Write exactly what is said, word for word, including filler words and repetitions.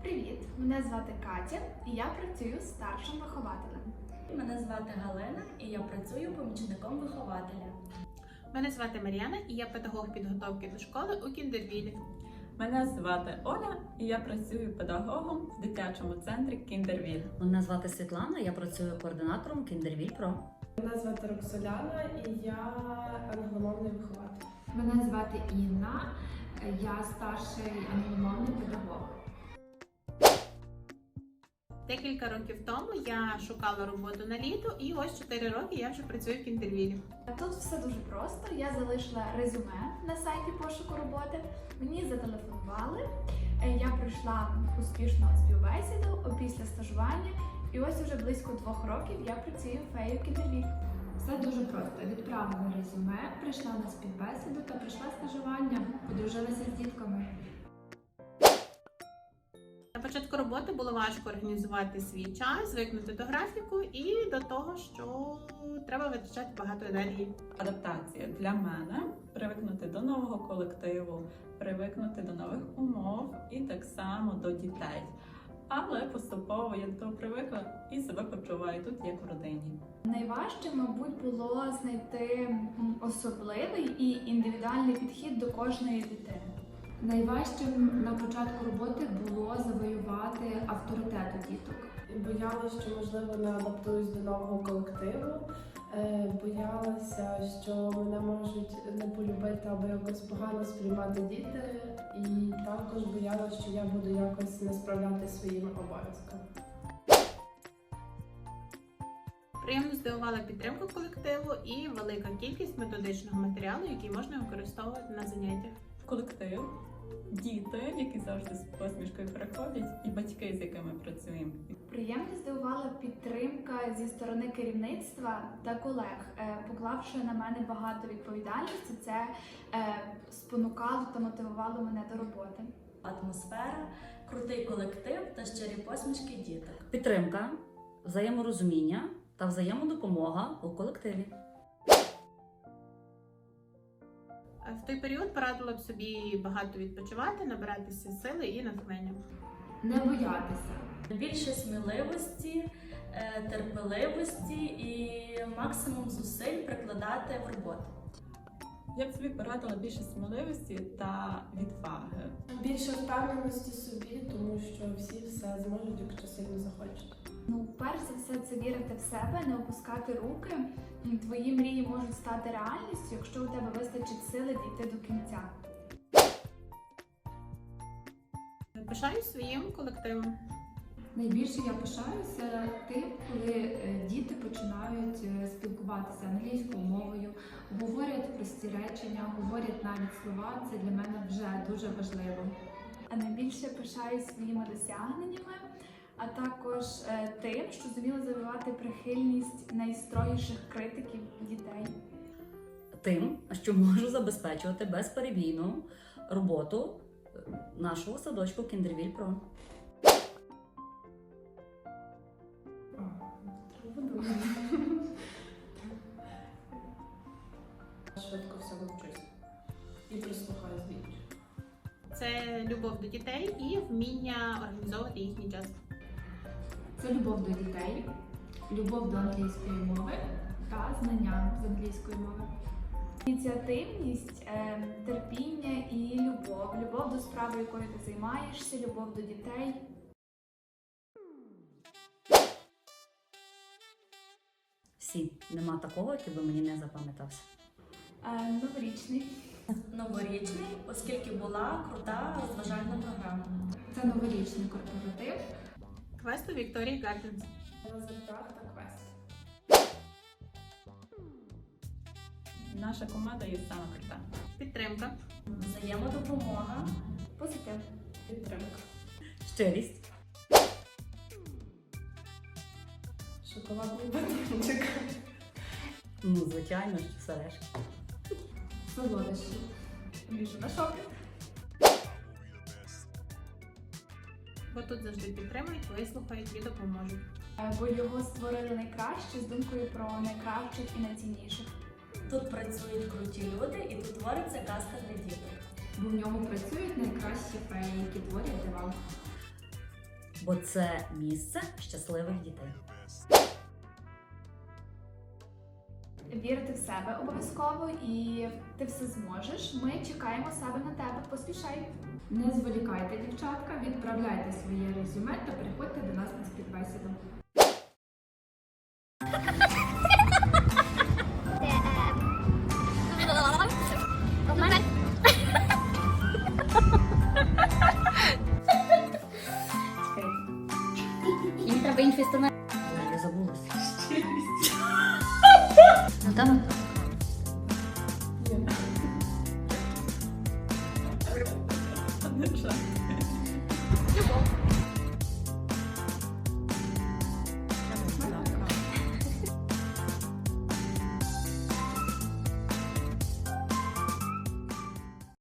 Привіт! Мене звати Катя і я працюю старшим вихователем. Мене звати Галина і я працюю помічником вихователя. Мене звати Мар'яна і я педагог підготовки до школи у Кіндервілі. Мене звати Оля і я працюю педагогом в дитячому центрі Кіндервіль. Мене звати Світлана, я працюю координатором Кіндервіль Про. Мене звати Роксоляна і я англомовний вихователь. Мене звати Інна, я старший англомовний педагог. Декілька років тому я шукала роботу на літо, і ось чотири роки я вже працюю в Кіндервілі. Тут все дуже просто. Я залишила резюме на сайті пошуку роботи. Мені зателефонували. Я пройшла успішну співбесіду після стажування. І ось уже близько двох років я працюю феєю в Кіндервілі. Все дуже просто. Відправила резюме, прийшла на співбесіду та прийшла стажування, подружилася з дітками. На початку роботи було важко організувати свій час, звикнути до графіку і до того, що треба витрачати багато енергії. Адаптація для мене – привикнути до нового колективу, привикнути до нових умов і так само до дітей. Але поступово я до того привикла і себе почуваю тут, як в родині. Найважче, мабуть, було знайти особливий і індивідуальний підхід до кожної дитини. Найважчим на початку роботи було завоювати авторитет у діток. Боялася, що, можливо, не адаптуюсь до нового колективу. Боялася, що мене можуть не полюбити або якось погано сприймати діти. І також боялася, що я буду якось не справлятися своїми обов'язками. Приємно здивувала підтримка колективу і велика кількість методичного матеріалу, який можна використовувати на заняттях. Колектив, діти, які завжди з посмішкою приходять, і батьки, з якими працюємо. Приємно здивувала підтримка зі сторони керівництва та колег, поклавши на мене багато відповідальності, це спонукало та мотивувало мене до роботи. Атмосфера, крутий колектив та щирі посмішки діток. Підтримка, взаєморозуміння та взаємодопомога у колективі. В той період порадила б собі багато відпочивати, набиратися сили і натхнення. Не боятися. Більше сміливості, терпеливості і максимум зусиль прикладати в роботу. Я б собі порадила більше сміливості та відваги. Більше впевненості собі, тому що всі все зможуть, якщо сильно захочуть. Ну, перш за все, це вірити в себе, не опускати руки. Твої мрії можуть стати реальністю, якщо у тебе вистачить сили дійти до кінця. Пишаюсь своїм колективом. Найбільше я пишаюся тим, коли діти починають спілкуватися англійською мовою, говорять прості речення, говорять навіть слова. Це для мене вже дуже важливо. А найбільше пишаюсь своїми досягненнями, а також е, тим, що зуміла завоювати прихильність найстрогіших критиків дітей. Тим, що можу забезпечувати безперебійну роботу нашого садочку Кіндервіль Про. Швидко всього вчусь і прислухаюсь до інших. Це любов до дітей і вміння організовувати їхній час. Це любов до дітей, любов до англійської мови та знання з англійської мови. Ініціативність, е, терпіння і любов. Любов до справи, якою ти займаєшся, любов до дітей. Всі. Нема такого, який би мені не запам'ятався. Е, новорічний. Новорічний, оскільки була крута розважальна програма. Це новорічний корпоратив. Квест у Вікторії Гарденс. Лазертаг та квест. Наша команда є саме крута. Підтримка. Взаємодопомога. Позитив. Підтримка. Щирість. Шоколадний батончик. Ну, звичайно, що все решта. Солодощі. Біжу на шопінг. Бо тут завжди підтримують, вислухають і допоможуть. Е, Бо його створили найкраще з думкою про найкращих і найцінніших. Тут працюють круті люди і тут твориться казка для діток. Бо в ньому працюють найкращі феї, які творять дива. бо це місце щасливих дітей. Вірити в себе обов'язково і ти все зможеш. Ми чекаємо себе на тебе. Поспішай. Не зволікайте, дівчатка, відправляйте своє резюме та приходьте до нас на співбесіду. Їм треба інший сценарій. Але я забулася. Ну там. Ні. Не жаль.